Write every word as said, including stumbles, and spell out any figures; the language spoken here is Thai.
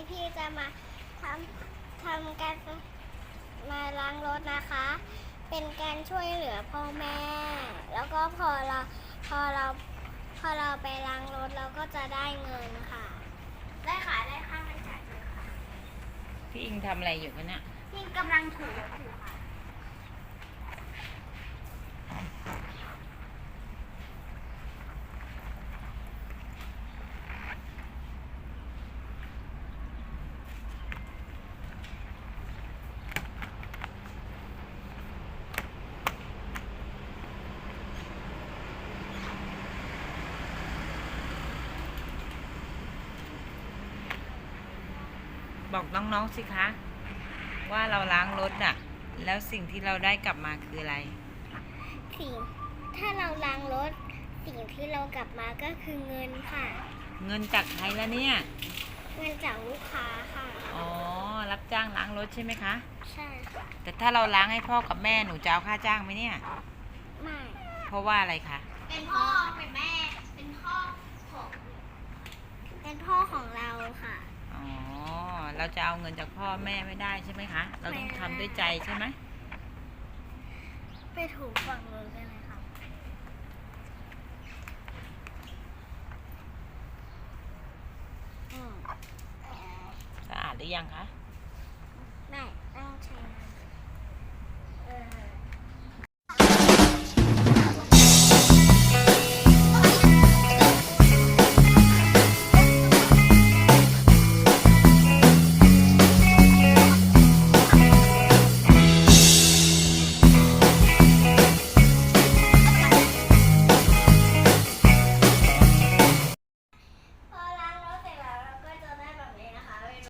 พี่จะมาทำทำการมาล้างรถนะคะ เป็นการช่วยเหลือพ่อแม่ แล้วก็พอเราพอเราพอเราไปล้างรถเราก็จะได้เงินค่ะ ได้ค่ะได้ค่าใช้จ่ายเลยค่ะพี่อิงทำอะไรอยู่กันเนี่ยพี่กำลังถูรถอยู่ค่ะบอกน้องๆสิคะ ว่าเราล้างรถน่ะ แล้วสิ่งที่เราได้กลับมาคืออะไรสิ่งถ้าเราล้างรถสิ่งที่เรากลับมาก็คือเงินค่ะเงินจากใครละเนี่ยเงินจากลูกค้าค่ะอ๋อ รับจ้างล้างรถใช่ไหมคะใช่ค่ะแต่ถ้าเราล้างให้พ่อกับแม่หนูจะเอาค่าจ้างไหมเนี่ยไม่เพราะว่าอะไรคะเป็นพ่อเป็นแม่ เป็นพ่อของเป็นพ่อของเราค่ะอ๋อ เราจะเอาเงินจากพ่อแม่ไม่ได้ใช่ไหมคะ เราต้องทำด้วยใจใช่ไหมไปถูฝั่งนู้นกันเลยค่ะอืมสะอาดหรือยังคะไม่ต้องใช้น้ำเออ